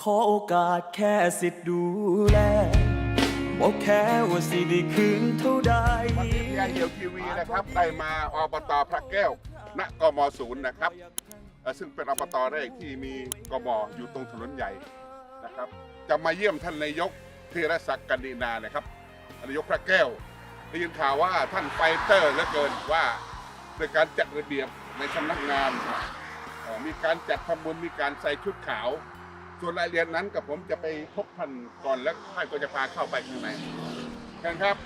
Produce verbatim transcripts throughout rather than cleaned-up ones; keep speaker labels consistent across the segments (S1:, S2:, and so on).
S1: ขอโอกาสแค่สิทธิ์ดูแลบอกแค่ว่าสิได้คืนเท่าใด
S2: วันนี้พีไอเหี่ยวทีวีนะครับได้มาอบตพระแก้วณกมศูนย์นะครับเอ่อซึ่งเป็นอบตแรกที่มีกมอยู่ตรงถนนใหญ่นะครับจะมาเยี่ยมท่านนายกธีรศักดิ์กันดินานะครับนายกพระแก้วได้ยินข่าวว่าท่านไฟเตอร์เหลือเกินว่าโดยการจัดระเบียบในสำนักงานเอ่อมีการจัดทำบุญมีการใส่ชุดขาวส่วนรายละเอียดนั้นกับผมจะไปพบท่านก่อนแล้วท่านก็จะพาเข้าไปข้างในเชิญครับ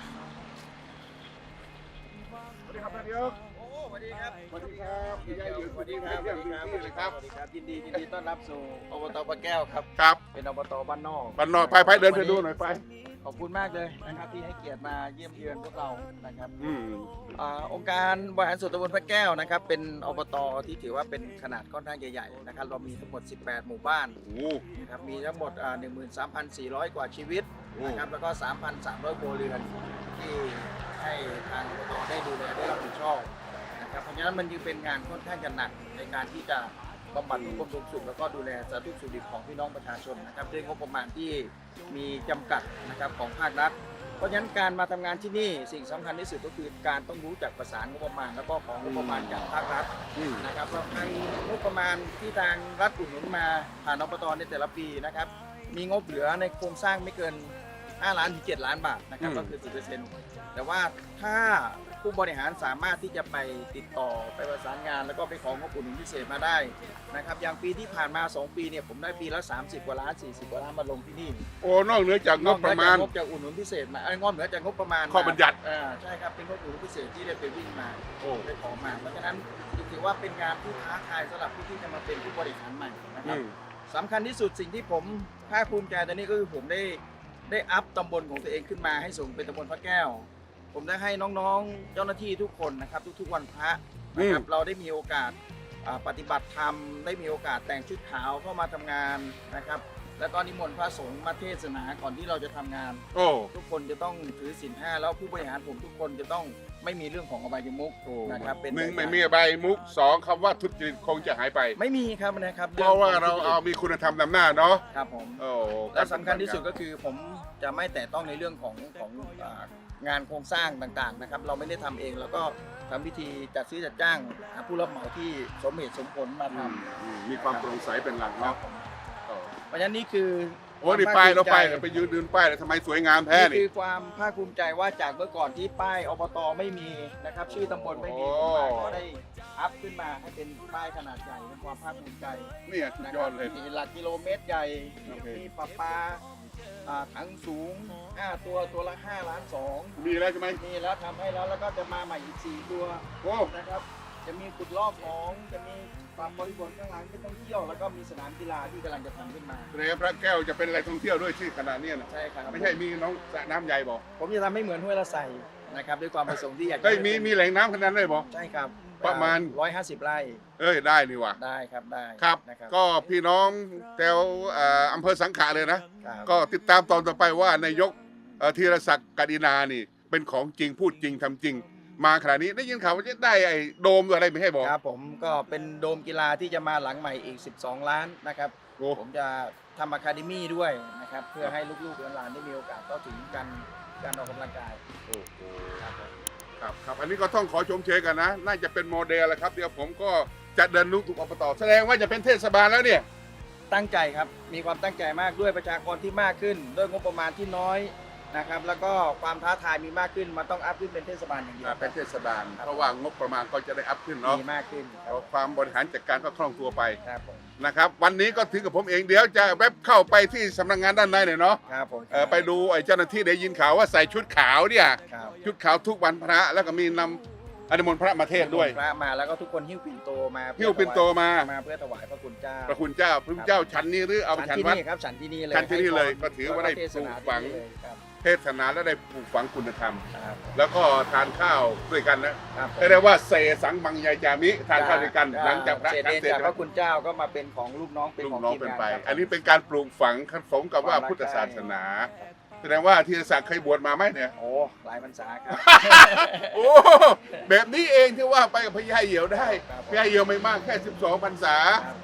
S2: สวัสดีครับท่านนายก
S3: โอ้สวัสดีครับ
S2: สวัสดีครับพี่ใหญ่อยู่
S3: สวัสดีครับ
S2: เยี่ยมพื้นที่เลยครับ
S3: สวัสดีครับยินดียินดีต้อนรับสู่อบตปะแก้วครับ
S2: ครับ
S3: เป็นอบตบ้านนอก
S2: บ้านนอกไปไปเดินไปดูหน่อยไป
S3: ขอบคุณมากเลยนะครับที่ให้เกียรติมาเยี่ยมเยือนพวกเรานะครับ
S2: อืม
S3: อ่าองค์การบริหารส่วนตำบลพระแก้วนะครับเป็นอบตที่ถือว่าเป็นขนาดค่อนข้างใหญ่ๆนะครับเรามีทั้งหมดสิบแปดหมู่บ้าน
S2: โอ้
S3: นะครับมีทั้งหมดอ่าหนึ่งหมื่นสามพันสี่ร้อยกว่าชีวิตนะครับแล้วก็สามพันสามร้อยครัวเรือนที่ให้ทางอบตได้ดูแลได้รับผิดชอบนะครับเพราะฉะนั้นมันจึงเป็นงานค่อนข้างจะหนักในการที่จะบำบัดทุกข์ทุกสุขแล้วก็ดูแลสาธารณสุขของพี่น้องประชาชนนะครับด้วยงบประมาณที่มีจำกัดนะครับของภาครัฐ เพราะฉะนั้นการมาทำงานที่นี่สิ่งสำคัญที่สุดก็คือการต้องรู้จักประสานงบประมาณแล้วก็ของงบประมาณจากภาครัฐ
S2: อืม
S3: นะครับเพราะทางงบประมาณที่ทางรัฐอุดหนุนมาผ่านอบตในแต่ละปีนะครับมีงบเหลือในโครงสร้างไม่เกินห้าล้านถึงเจ็ดล้านบาทนะครับก็คือ สิบเปอร์เซ็นต์ แต่ว่าถ้าผู้บริหารสามารถที่จะไปติดต่อไปประสานงาน แล้วก็ไปของงบอุดหนุนพิเศษมาได้นะครับอย่างปีที่ผ่านมาสองปีเนี่ยผมได้ปีละสามสิบกว่าล้านสี่สิบกว่าล้านมาลงที่นี่
S2: โอ้นอกเหนือจากงบประมาณ
S3: นอกเหนือจากงบจากอุดหนุนพิเศษมาเอ้ยงบเหนือจากงบประมาณ
S2: ข้อบัญญัติ
S3: อ่าใช่ครับเป็นงบอุดหนุนพิเศษที่ได้ไปวิ่งมา
S2: โอ้
S3: ได้ขอมาเพราะฉะนั้นถือว่าเป็นงานที่ท้าทายสำหรับผู้ที่จะมาเป็นผู้บริหารใหม่นะค
S2: อื
S3: รับ
S2: ม
S3: สำคัญที่สุดสิ่งที่ผมภาคภูมิใจตอนนี้ก็คือผมได้ได้อัพตำบลของตัวเองขึ้นมาให้สูงเป็นตำบลพระแก้ว ผมได้ให้น้องๆเจ้าหน้าที่ทุกคนนะครับทุกๆวันพระนะครับเราได้มีโอกาสอ่าปฏิบัติธรรมได้มีโอกาสแต่งชุดขาวเข้ามาทำงานนะครับแล้วก็นิมนต์พระสงฆ์มาเทศนาก่อนที่เราจะทำงาน
S2: โอ้
S3: ทุกคนจะต้องถือศีลห้าแล้วผู้บริหารผมทุกคนจะต้องไม่มีเรื่องของอบายมุขนะครับเป็น
S2: หนึ่งไม่มีใบมุกสองคำว่าทุจริตคงจะหายไป
S3: ไม่มีครับนะครับ
S2: เพราะว่าเราเอามีคุณธรรมนำหน้าเนาะ
S3: ครับผม
S2: โอ้
S3: และสำคัญที่สุดก็คือผมจะไม่แตะต้องในเรื่องของของอ่างานโครงสร้างต่างๆนะครับเราไม่ได้ทำเองแล้วก็ทำพิธีจัดซื้อจัดจ้างหาผู้รับเหมาที่สมเหตุสมผลมาท
S2: อืมอืมมีความโปร่งใสเป็นหลัก
S3: ำครั
S2: เนาะ
S3: บผม
S2: โอ้
S3: เพราะฉะนั้นนี่คือ
S2: โอ้นี่ป้ายเราไปเราไปยืนดูป้ายเลยทำไมสวยงามแท้
S3: นี่
S2: นี่
S3: คือความภาคภูมิใจว่าจากเมื่อก่อนที่ป้ายอบตไม่มีนะครับชื่อตำบลไม่มี
S2: โอ้
S3: ผมก็ได้อัพขึ้นมาให้เป็นป้ายขนาดใหญ่เป็นความภาคภูมิใจ
S2: เนี่ยสุด
S3: นะ
S2: ย
S3: ค
S2: อ
S3: รั
S2: ดเลย
S3: มีหลักกิโลเมตรใหญ่
S2: โอเค
S3: มีปลาปลาอ่าถังสูงห้าตัวตัวละห้าล้านสอง
S2: มีแล้วใช่ไหม
S3: มีแล้วทำให้แล้วแล้วก็จะมาใหม่อีกสี่ตัว
S2: โอ้
S3: นะครับ จะมีขุดลอกของจะมีปรับบริบทข้างหลังที่ต้องเที่ยวแล้วก็มีสนามกีฬาที่กำลังจะทำขึ้นมา
S2: แสดงว่าพระแก้วจะเป็นอะไรท่องเที่ยวด้วยที่ขนาดเนี้ยนะ
S3: ใช่ครับ
S2: ไม่ใช่มีน้องสระน้ำใหญ่บอก
S3: ผมจะทำให้เหมือนห้วยละไสนะครับด้วยความประสงค์ที่อยากจะ
S2: เฮ้ยมีมีแหล่งน้ำขนาดนั้นเลยบอก
S3: ใช่ครับ
S2: ประมาณ
S3: ร้อยห้าสิบไร่
S2: เอ้ยได้นี่ว่ะ
S3: ได้ครับได้
S2: ครับ
S3: นะครับ
S2: ก็พี่น้องแถวเอ่ออำเภอสังขะเลยนะ
S3: ครับ
S2: ก็ติดตามตอนต่อไปว่านายกเอ่อธีรศักดิ์กดินานี่ เป็นของจริงพูดจริงทำจริง มาขนาดนี้ได้ยินข่าวว่าจะได้ไอ้โดมอะไรไม่ให้บอก
S3: ครับผมก็เป็นโดมกีฬาที่จะมาหลังใหม่อีกสิบสองล้านนะครับ
S2: โอ้
S3: ผมจะทำอะคาเดมี่ด้วยนะครับเพื่อให้ลูกๆหลานๆได้มีโอกาสเข้าถึงการการออกกำลังกาย
S2: โอ้โห
S3: ครับผม
S2: ครับครับอันนี้ก็ต้องขอชมเชยกันนะ น่าจะเป็นโมเดลแหละครับ เดี๋ยวผมก็จะเดินลุกถูกอบตแสดงว่าจะเป็นเทศบาลแล้วเนี่ย
S3: ตั้งใจครับมีความตั้งใจมากด้วยประชากรที่มากขึ้น ด้วยงบประมาณที่น้อยนะครับแล้วก็ความท้าทายมีมากขึ้นมันต้องอัพขึ้นเป็นเทศบาลอย่างเดียว
S2: เป็นเทศบาล เพราะว่างบประมาณก็จะได้อัพขึ้นเนาะ
S3: มีมากขึ้นค
S2: เพ
S3: รับ
S2: ราะความบริหารจัดการก็คล่องตัวไป
S3: ครับผม
S2: นะครับ วันนี้ก็ถึงกับผมเองเดี๋ยวจะแวบเข้าไปที่สำนักงานด้านในหน่อยเนาะ
S3: ครับผม
S2: เออไปดูไอ้เจ้าหน้าที่ได้ยินข่าวว่าใส่ชุดขาวเนี่ย
S3: ครับ
S2: ชุดขาวทุกวันพระแล้วก็มีนำอนุโมทนาพระมาเทศน์ด้วย
S3: พระมาแล้วก็ทุกคนหิ้วปิ่นโตมา
S2: หิ้วปิ่นโตมา
S3: มาเพื่อถวายพระคุณเจ้า
S2: พระคุณเจ้าพระคุณเจ้าฉันนี้หรือเอาไป
S3: ฉั
S2: ฉั
S3: น
S2: น
S3: ที่
S2: วัด
S3: นี่ครับฉันที่นี่เลย
S2: ฉันที่นี่เลย
S3: ให้พร
S2: ก็ถือว่าได้
S3: แล้เทศนา
S2: ปลูกฝัง
S3: ที่นี่เลยครับ
S2: เทศนาและได้ปลูกฝังคุณธรรม
S3: ครับ
S2: แล้วก็ทานข้าวด้วยกันนะครับ
S3: ผม
S2: เรียกว่าเสสังมังยายจามิทานข้าวด้วยกัน หลังจากพระ
S3: เศษ
S2: ฉัน
S3: เดช
S2: เสร็จ
S3: จากพ
S2: แล้ว
S3: ระคุณเจ้าก็มาเป็นของลูกน้องเป็น
S2: ลู
S3: ขอก ง
S2: น้อง
S3: ทีม
S2: เป็น
S3: งาน
S2: ไป
S3: ครับ
S2: อันนี้เป็นการปลูกฝังสมกับว่าพุทธศาสนา แสดงว่าธีรศักดิ์เคยบวชมาไหมเนี่ย
S3: โอ้หลายพรรษาครับ
S2: โอ้แบบนี้เองที่ว่าไปกับพญาเหี่ยวได้
S3: ครับผม
S2: พญาเหี่ยวไม่มากแค่สิบสองพรรษา
S3: ครับ
S2: โ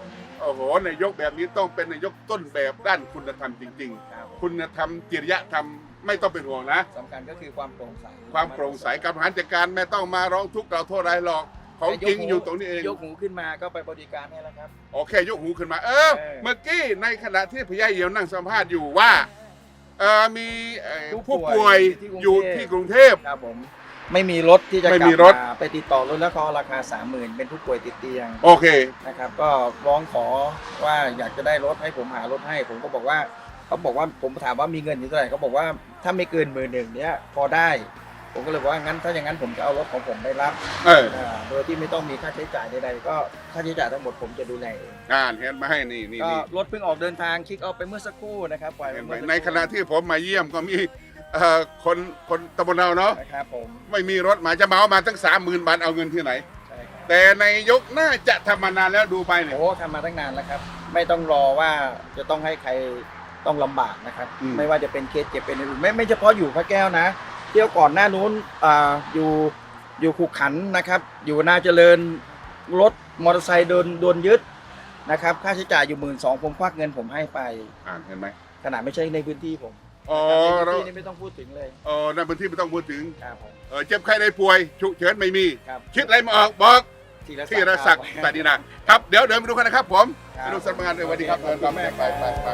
S2: โอ้โหนายกแบบนี้ต้องเป็นนายกต้นแบบด้านคุณธรรมจริง
S3: ครับ
S2: ๆ คุณธรรมจริยธรรมไม่ต้องเป็นห่วงนะ
S3: สำคัญก็คือความโปร่งใส
S2: ความโปร่งใสการบริหารจัดการไม่ต้องมาร้องทุกข์กล่าวโทษอะไรหรอกของจริงอยู่ตรงนี้เอง
S3: ยกหูขึ้นมาก็ไปบริการให้แล้วครับ
S2: โอเคยกหูขึ้นมา เออ
S3: เออ
S2: เมื่อกี้ในขณะที่พญาเหี่ยวนั่งสัมภาษณ์อยู่ว่าเออมีเอ่อผู้ป่วยอยู่ที่กรุงเทพ
S3: ครับผมไม่มีรถที่จะ
S2: ไม่
S3: กลั
S2: มี
S3: บ
S2: รถ
S3: มาไปติดต่อรถแล้วก็ราคาสามหมื่นเป็นผู้ป่วยติดเตียง
S2: โอเค
S3: นะครับ ก็ร้องขอว่าอยากจะได้รถให้ผมหารถให้ ผมก็บอกว่าเขาบอกว่าผมถามว่ามีเงินอยู่เท่าไหร่เขาบอกว่าถ้าไม่เกินหมื่นหนึ่งเนี้ยพอได้ ผมก็เลยบอกว่างั้นถ้าอย่างนั้นผมจะเอารถของผมได้รับ
S2: เออ
S3: อ่าโดยที่ไม่ต้องมีค่าใช้จ่ายใดๆก็ค่าใช้จ่ายทั้งหมดผมจะดูแลเอง
S2: อ่านเห็นมาให้นี่นี่
S3: ก็
S2: นี่
S3: รถเพิ่งออกเดินทางคลิกเอาไปเมื่อสักครู่นะครับปล่อยไป
S2: เห็นไหม
S3: เมื่อสักครู่
S2: ในขณะที่ผมมาเยี่ยมก็มีเอ่อคนคนตำบลเราเนาะ
S3: นะครับผม
S2: ไม่มีรถมาจะเหมามาตั้งสามหมื่นบาทเอาเงินที่ไหน
S3: ใช่ครับ
S2: แต่ในยกน่าจะทำมานานแล้วดูไปเนี่ย
S3: โอ้ทำมาตั้งนานแล้วครับ ไม่ต้องรอว่าจะต้องให้ใครต้องลำบากนะครับ
S2: อืม
S3: ไม่ว่าจะเป็นเคสเจ็บเป็นอื่นไม่ไม่เฉพาะอยู่พระแก้วนะเที่ยวก่อนหน้านู้นอ่าอยู่อยู่ขุขันธ์นะครับ อยู่นาเจริญรถมอเตอร์ไซค์โดนโดนยึดนะครับค่าใช้จ่ายอยู่หมื่นสองผมควักเงินผมให้ไป
S2: อ่านเห็นไหม
S3: ขนาดไม่ใช่ในพื้นที่ผม
S2: อ๋อ
S3: ใน
S2: เรา
S3: พื้นที่นี่ไม่ต้องพูดถึงเลย
S2: เออในพื้นที่ไม่ต้องพูดถึง
S3: ครับผม
S2: เออเจ็บไข้ได้ป่วยฉุกเฉินไม่มี
S3: ครับ
S2: คิดอะไรมาออกบอก
S3: ธีรศักดิ์
S2: ที่รศักดิ์ตาดีนะครับเดี๋ยวเดินไปดูกันนะครับผม
S3: ครับ
S2: ไปดูสำนักงานเลยสวัสดีครับ
S3: ขอบคุณแม่
S2: ไปไปไป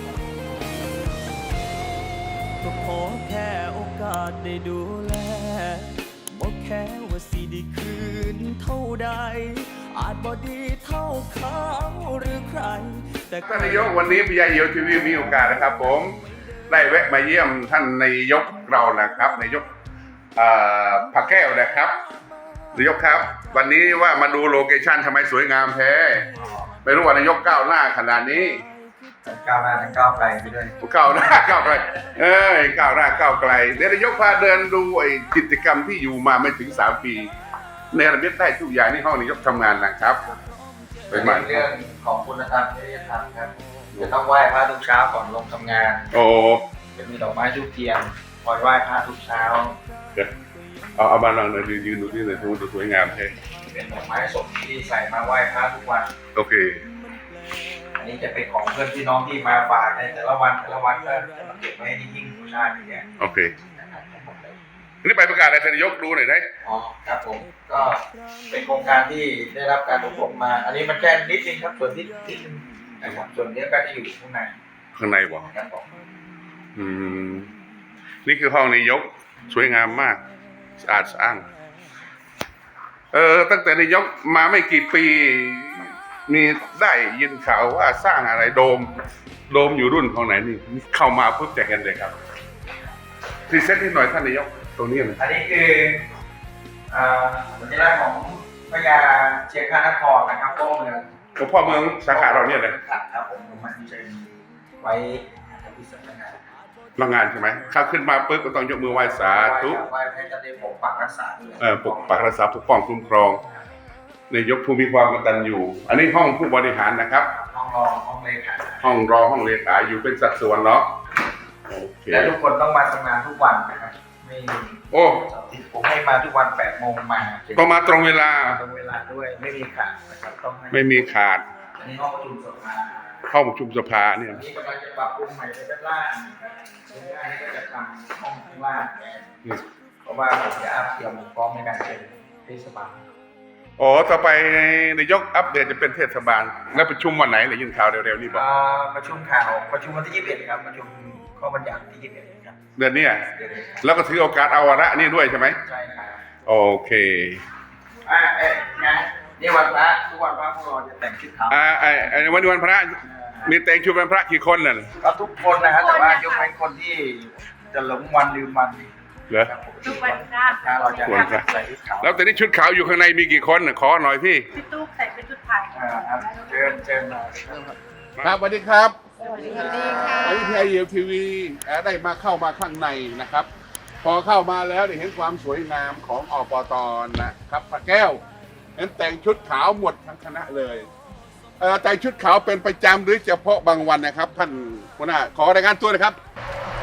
S1: ก็ขอแค่โอกาสได้ดูแลบอกแค่ว่าสิได้คืนเท่าใด อาจบ่ดีเท่าเขาหรือใคร แต่ก็
S2: ท่านนายกวันนี้พญาเหี่ยวทีวีมีโอกาสนะครับ ผมได้แวะมาเยี่ยมท่านนายกเรานะครับนายกเอ่อผักแก้วนะครับนายกครับ วันนี้ว่ามาดูโลเคชั่นทำไมสวยงามแท้ไม่รู้ว่านายกก้าวหน้าขนาดนี้
S3: ก้าวหน้าทั้งก้าวไกลไปด้วย
S2: ก้าวหน้าก้าวไกลเอ้ยก้าวหน้าก้าวไกลเดี๋ยวนายกพาเดินดูไอ้กิจกรรมที่อยู่มาไม่ถึงสามปีในระเบียบได้ทุกอย่างที่ห้องนายกทำงานนะครับเป็นมา
S3: เรื่องของคุณธรรมจริยธรรมครับจะต้องไหว้พระทุกเช้าก่อนลงทำงาน
S2: โอ้
S3: จะมีดอกไม้ทุกเทียนคอยไหว้พระทุกเช้า
S2: เดี๋ยวเอาเอามาลองหน่อยยืนดูที่เลยดูสวยงามแท้
S3: เป็นดอกไม้สดที่ใส่มาไหว้พระทุกวัน
S2: โอเค
S3: อันนี้จะเป็นของเพื่อนพี่น้องที่มาฝากในแต่ละวันแต่ละวันก็จะมาเก็บไว้ในหิ้งบูชาอย่างเงี้ย
S2: โอเค
S3: นะครับทั้งหมดเลย
S2: นี่ไปประกาศอะไรท่านนายกดูหน่อยได้
S3: อ๋อครับผมก็เป็นโครงการที่ได้รับการอบรมมา อันนี้มันแค่นิดนึงครับส่วนที่นิดนึงนะครับส่วนนี้ก็จะอยู่ข้างใน
S2: ข้างในบอก
S3: ครับผม
S2: อืมนี่คือห้องนายกสวยงามมากสะอาดสะอ้างเออตั้งแต่นายกมาไม่กี่ปี มีได้ยินข่าวว่าสร้างอะไรโดม โดมอยู่รุ่นของไหนนี่เข้ามาปุ๊บจะเห็นเลยครับพรีเซนต์นิดหน่อยท่านนายกตรงนี้นะ
S3: อันนี้คืออ่าสัญลักษณ์ของพญาเชียงคานครนะครับพ่อเมือง
S2: หลวงพ่อเมืองสาขาเราเนี่ยเลย
S3: ครับผมผมมาที่เชิญไว้ที่สำนักงาน
S2: โรงงานใช่ไหมเข้าขึ้นมาปุ๊บก็ต้องยกมือไหว้สาธุ
S3: ไหว้ให้ท่านได้ปกปักรักษาด้วย
S2: เอ่อปกปักรักษาปกป้องคุ้มครองนายกผู้มีความกตัญญูอันนี้ห้องผู้บริหารนะครับ
S3: ห้องรองห้องเลขา
S2: ห้องรอห้องเลขาอยู่เป็นสัดส่วนเนาะโอเค
S3: และทุกคนต้องมาทำงานทุกวันนะครับไม่
S2: โอ้
S3: ผมให้มาทุกวันแปดโมงมา
S2: ก็มาตรงเวลา
S3: ตรงเวลาด้วยไม่มีขาดนะครับต้องให้
S2: ไม่มีขาด
S3: อันนี้ห้องประชุมสภา
S2: ห้องประชุมสภาเนี่ย
S3: อันนี้กำลังจะปรับปรุงใหม่ในด้านล่างด้านล่างนี่ก็จะทำห้องข้างล่างแทน
S2: อืม
S3: เพราะว่าผมจะอัพเตรียมพร้อมในการเป็นเทศบาล
S2: อ๋อต่อไปนายกอัปเดตจะเป็นเทศบาลแล้วประชุมวันไหนเลยยินข่าวเร็วๆนี่บอก
S3: อ่าประชุมข่าวประชุมวันที่ยี่สิบเอ็ดครับประชุมข้อบัญญัติที่ยี่สิบเอ็ดครับ
S2: เดือนเนี้ย
S3: เดือนนี้ครับ
S2: แล้วก็ถือโอกาสเอาวาระนี่ด้วยใช่ไหม
S3: ใช่ครับ
S2: โอเค
S3: อ่าเอ๊ะงานนี่วันพระทุกวันพระพวกเราจะแต่งชุดขาว
S2: อ่าไอ้ไอ้วันนี้วันพระมีแต่งชุดวันพระกี่คนน่ะ
S3: ก็ทุกคนนะฮะแต่ว่ายกเว้นคนที่จะหลงวันลืมวัน
S2: เหรอ
S3: ครับผม
S4: ทุกวันพระ
S3: ถ้าเราจะ
S2: วันพระ
S3: ใส่ชุดขาว
S2: แล้วแต่นี่ชุดขาวอยู่ข้างในมีกี่คนน่ะขอหน่อยพี่
S4: พี่ตุ๊กใส่เป็นชุดไทย
S3: อ่าครับเชิญเชิญมา
S2: ครับสวัสดีครับ
S4: สวัสดีค่ะ
S2: วันนี้พีไอเอลทีวีได้มาเข้ามาข้างในนะครับ พอเข้ามาแล้วได้เห็นความสวยงามของอปตนะครับพระแก้วเห็นแต่งชุดขาวหมดทั้งคณะเลยเอ่อแต่งชุดขาวเป็นประจำหรือเฉพาะบางวันนะครับ ท่านหัวหน้าขอรายงานตัวนะครับ
S4: ค่ะ ส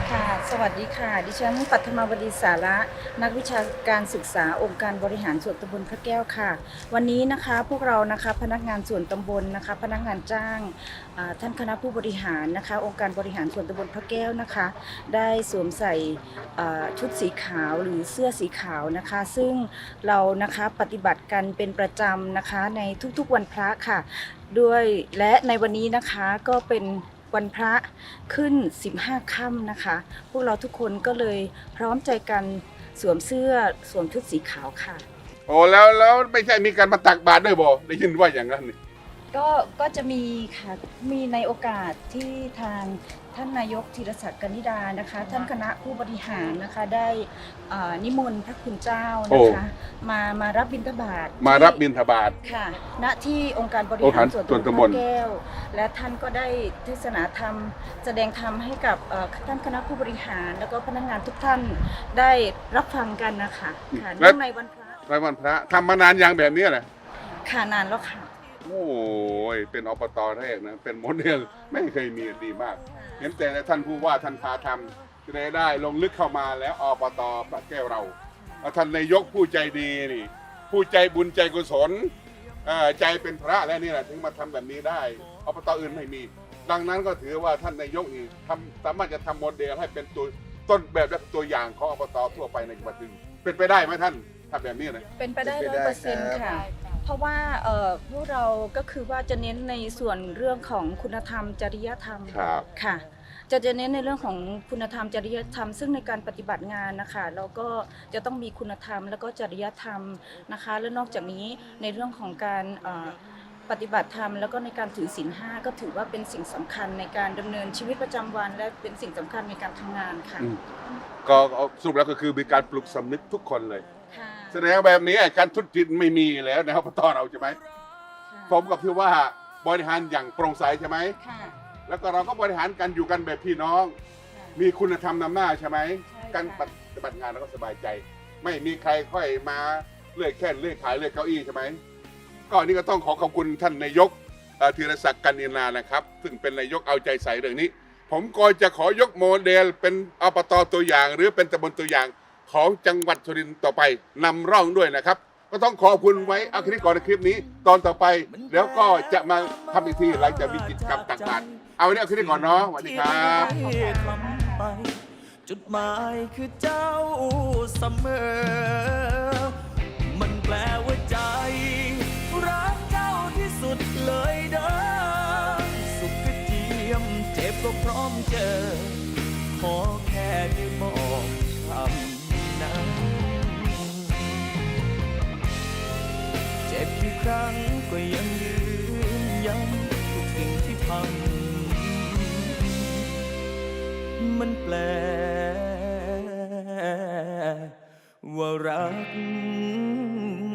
S5: สวัสดีค่ะ ดิฉันปัทมาวดีสาระนักวิชาการศึกษาองค์การบริหารส่วนตำบลพระแก้วค่ะ วันนี้นะคะพวกเรานะคะพนักงานส่วนตำบลนะคะพนักงานจ้างอ่าท่านคณะผู้บริหารนะคะองค์การบริหารส่วนตำบลพระแก้วนะคะ ได้สวมใส่อ่าชุดสีขาวหรือเสื้อสีขาวนะคะ ซึ่งเรานะคะปฏิบัติกันเป็นประจำนะคะในทุกๆวันพระค่ะด้วยและในวันนี้นะคะก็เป็นวันพระขึ้นสิบห้าค่ำนะคะ พวกเราทุกคนก็เลยพร้อมใจกันสวมเสื้อสวมชุดสีขาวค่ะ
S2: โอ้แล้วแล้วไม่ใช่มีการมาตักบาตรด้วยบ่ได้ยินว่าอย่างนั้นนี่
S5: ก็ก็จะมีค่ะมีในโอกาสที่ทางท่านนายกธีรศักดิ์กนิดานะคะ ท่านคณะผู้บริหารนะคะได้อ่านิมนต์พระคุณเจ้านะคะมามารับบิณฑบาต
S2: มารับบิณฑบาต
S5: ค่ะณที่องค์การบริ
S2: องค์
S5: หา
S2: การ
S5: รส่วน
S2: ส่วน
S5: ตำ
S2: ตำ
S5: บบ ล
S2: ล
S5: พระแก้ว และท่านก็ได้เทศนาธรรมแสดงธรรมให้กับเอ่อท่านคณะผู้บริหาร แล้วก็พนักงานทุกท่านได้รับฟังกันนะคะค่ะ
S2: และ
S5: เนื่องในวันพระ
S2: รายวันพระทำมานานยังแบบนี้แหละ
S5: ค่ะนานแล้วค่ะ
S2: โอ้ยเป็นอบตแรกนะเป็นโมเดลไม่เคยมีดีมาก เห็นแต่ท่านผู้ว่าท่านพาทำจะได้ได้ลงลึกเข้ามาแล้วอบตพระแก้วเราแล้วท่านนายกผู้ใจดีนี่ผู้ใจบุญใจกุศลเอ่อใจเป็นพระแล้วนี่แหละถึงมาทำแบบนี้ได้อบตอื่นไม่มี ดังนั้นก็ถือว่าท่านนายกนี่ทำสามารถจะทำโมเดลให้เป็นตัวต้นแบบและตัวอย่างของอบตทั่วไปในจังหวัดอื่นเป็นไปได้ไหมท่านทำแบบนี้นะ
S5: เป็นไปได้
S3: เป็น
S5: ร้
S3: ไป
S5: อย
S3: ได้
S5: เปอร์เซ็นต์
S3: ครับ
S5: ค่ะ เพราะว่าเอ่อพวกเราก็คือว่าจะเน้นในส่วนเรื่องของคุณธรรมจริยธรรม
S2: ครับ
S5: ค่ะ จะจะเน้นในเรื่องของคุณธรรมจริยธรรม ซึ่งในการปฏิบัติงานนะคะเราก็จะต้องมีคุณธรรมแล้วก็จริยธรรมนะคะ และนอกจากนี้ในเรื่องของการเอ่อปฏิบัติธรรมแล้วก็ในการถือศีลห้าก็ถือว่าเป็นสิ่งสำคัญในการดำเนินชีวิตประจำวัน และเป็นสิ่งสำคัญในการทำงานค่ะ
S2: อืม ก็สรุปแล้วก็คือมีการปลุกสำนึกทุกคนเลย
S5: ค่ะ
S2: แสดงแบบนี้ไอ้การทุจริตไม่มีแล้วในอบตเราใช่ไหม
S5: ค่ะ
S2: สมกับที่ว่าบริหารอย่างโปร่งใสใช่ไหม
S5: ค่ะ
S2: แล้วก็เราก็บริหารกันอยู่กันแบบพี่น้อง
S5: ค่ะ
S2: มีคุณธรรมนำหน้าใช่ไหม
S5: ใช่ค่ะ
S2: การปฏิบัติงานเราก็สบายใจ ไม่มีใครค่อยมาเลื่อยแค่นเลื่อยขายเลื่อยเก้าอี้ใช่ไหมก็อันนี้ก็ต้องขอขอบคุณท่านนายกเอ่อธีรศักดิ์กันนินานะครับ ซึ่งเป็นนายกเอาใจใส่เรื่องนี้ ผมก็จะขอยกโมเดลเป็นอบตตัวอย่าง หรือเป็นตำบลตัวอย่างของจังหวัดสุรินทร์ต่อไปนำร่องด้วยนะครับ ก็ต้องขอบคุณไว้เอาคลิปก่อนในคลิปนี้ ตอนต่อไปแล้วก็จะมาทำอีกทีหลังจากมีกิจกรรมต่างๆเอาวันนี้เอาคลิปก่อนเนาะสวัสดีครับ
S1: ที่ทำไปจุดหมายคือเจ้าเสมอ มันแปลว่าใจ รักเจ้าที่สุดเลยเด้อสุขก็เจียมเจ็บก็พร้อมเจอ ขอแค่ได้บอกคำนั้น เจ็บกี่ครั้งก็ยังยืนยันทุกสิ่งที่พัง มันแปลว่ารัก